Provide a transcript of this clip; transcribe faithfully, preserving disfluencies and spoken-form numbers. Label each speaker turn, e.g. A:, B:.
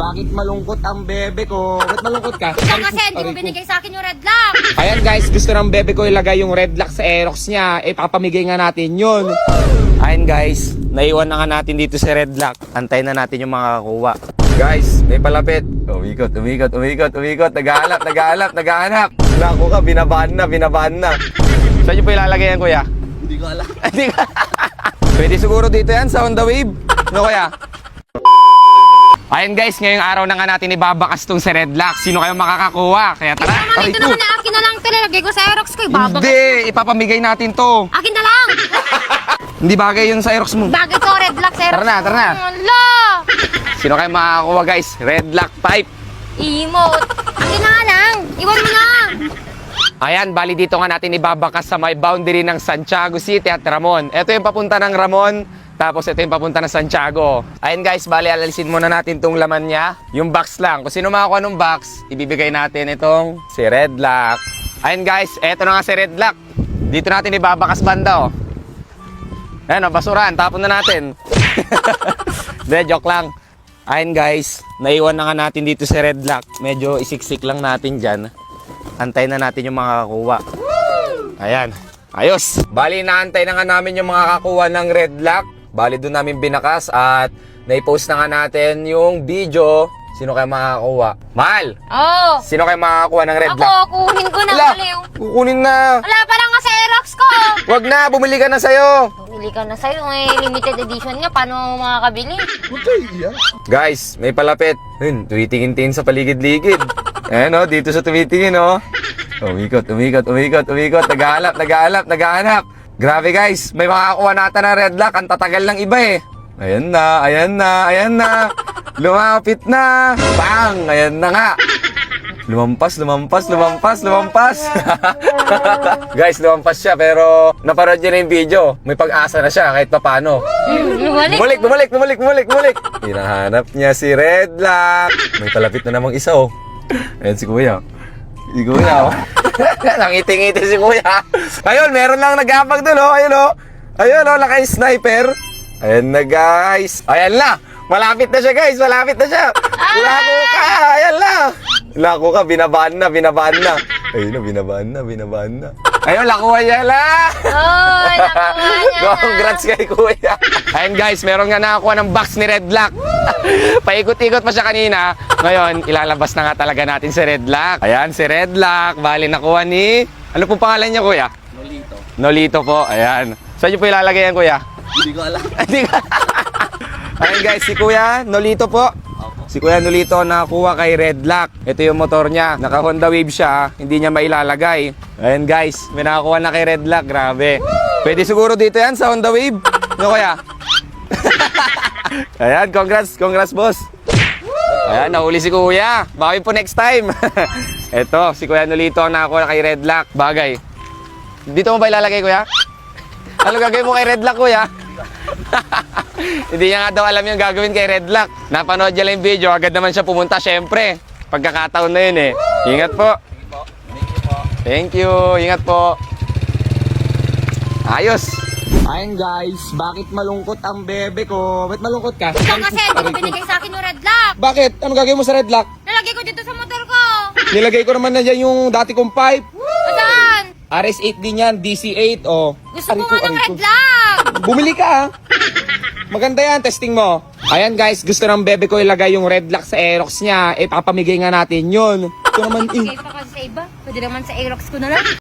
A: bakit malungkot ang bebe ko? Ba't malungkot ka?
B: Ikaw kasi, hindi mo binigay sa akin yung red lock.
A: Ayan guys, gusto ng bebe ko ilagay yung red lock sa Aerox niya. Eh, papamigay nga natin yun. Ayan guys, naiwan na nga natin dito sa red lock. Antayin na natin yung mga kakuha. Guys, may palapit. Umikot, umikot, umikot, umikot. Naghahanap, naghahanap, naghahanap. Naku ka, binabaan na, binabaan na. Saan nyo po ilalagay yan, kuya?
C: Hindi ko alam.
A: Hindi ka. Pwede siguro dito yan sa on the wave. No, kuya? Ayan guys, ngayong araw na nga natin ibabakas tong sa red lock. Sino kayo makakakuha? Kaya tara,
B: Naman,
A: aray
B: ito
A: ko.
B: naman na akin na lang tinalagay ko sa Aerox ko. Ibabag.
A: Hindi, ipapamigay natin to.
B: Akin na lang.
A: Hindi bagay yun sa Aerox mo.
B: Bagay ko, red lock sa Aerox.
A: Tara na, tara na.
B: Ala!
A: Sino kayo makakakuha guys? Red lock type.
B: Emote. Akin na nga lang. Iwan mo na.
A: Ayan, bali dito nga natin ibabakas sa may boundary ng Santiago City at Ramon. Ito yung papunta ng Ramon, tapos ito yung papunta ng Santiago. Ayan guys, bali alalisin muna natin tong laman niya. Yung box lang. Kung sino makakuha ng box, ibibigay natin itong si Red Lock. Ayan guys, eto na nga si Red Lock. Dito natin ibabakas banda oh. Ayan oh, basurahan, tapon na natin. De, joke lang. Ayan guys, naiwan na nga natin dito si Red Lock. Medyo isiksik lang natin dyan. Antayin na natin yung mga kakuha. Ayan. Ayos. Bali, naantay na nga namin yung mga kakuha ng red lock. Bali, doon namin binakas at naipost na nga natin yung video. Sino kayo makakakuha? Mahal!
B: Oo.
A: Sino kayo makakakuha ng red
B: Ako,
A: lock?
B: kunin ko na.
A: Ala,
B: Aliw.
A: kukunin na.
B: Wala pa lang nga sa Aerox ko.
A: Wag na, bumili ka na sa'yo.
B: Bumili ka na sa'yo. Eh, limited edition nga. Paano mo makakabili?
A: Guys, may palapit. Yun, tumitingin-tingin sa paligid-ligid. Ayan o, dito sa tumitingin o. Umikot, umikot, umikot, umikot. Naghahanap, naghahanap, naghahanap. Grabe guys, may makakakuha natin ng red lock. Ang tatagal ng iba eh. Ayan na, ayan na, ayan na. Lumapit na. Bang! Ayan na nga. Lumampas, lumampas, lumampas, lumampas. Guys, lumampas siya pero naparod niya na yung video. May pag-asa na siya kahit papano.
B: Bumalik.
A: Bumalik, bumalik, bumalik, bumalik, bumalik. Hinahanap niya si Red Lock. May palapit na namang isa oh. Ayan si Kuya. Si Kuya oh. Nangiti-ngiti si Kuya. Ayun, meron lang nagapag doon oh. Ayun oh. Ayun oh, naka-sniper. Ayan na guys. Ayan na. Malapit na siya guys, malapit na siya. Lako ka, ayan na. Lako ka, binabaan na, binabaan na. Ayun na, binabaan na, binabaan na. Ayun, lakuha niya la.
B: Oh, nakuha niya na.
A: Congrats kay Kuya. Ayun guys, meron nga nakakuha ng box ni Red Lock. Paikot-ikot pa siya kanina. Ngayon, ilalabas na nga talaga natin si Red Lock. Ayan, si Red Lock. Bali, nakuha ni... Ano pong pangalan niya, Kuya?
C: Nolito.
A: Nolito po, ayan. Saan niyo po ilalagay yan, Kuya?
C: Hindi ko alam.
A: Hindi ka. Ayan guys, si Kuya Nolito po.
C: Opo.
A: Si Kuya Nolito nakakuha kay Red Lock. Ito yung motor niya. Naka Honda Wave siya. Hindi niya mailalagay. Ayan guys, may nakakuha na kay Red Lock. Grabe. Pwede siguro dito yan sa Honda Wave. No Kuya? Ayan, congrats. Congrats boss. Ayan, nahuli si Kuya. Bawi po next time. Ito, si Kuya Nolito nakakuha kay Red Lock. Bagay. Dito mo ba ilalagay, Kuya? Ano gagawin mo kay Red Lock, Kuya? Hindi niya nga daw alam yung gagawin kay Red Lock. Napanood niya lang yung video, agad naman siya pumunta. Siyempre, pagkakataon na yun eh. Ingat po. Thank you. Ingat po. Ayos. Ayun guys, bakit malungkot ang bebe ko? Ba't malungkot ka?
B: Ikaw kasi, hindi mo binigay sa akin yung red lock.
A: Bakit? Ano gagawin mo sa Red Lock?
B: Nalagay ko dito sa motor ko.
A: Nilagay ko naman na dyan yung dati kong pipe.
B: Saan?
A: R S eight din yan, D C eight, oh.
B: Gusto
A: Aray
B: ko
A: ko,
B: nga ng
A: aray ko.
B: red lock.
A: Bumili ka ah. Maganda yan, testing mo. Ayan guys, gusto ng bebe ko ilagay yung red lock sa Aerox niya. Eh, papamigay nga natin yun. Ito naman eh.
B: Bigay pa kasi sa iba. Pwede naman sa Aerox ko na lang.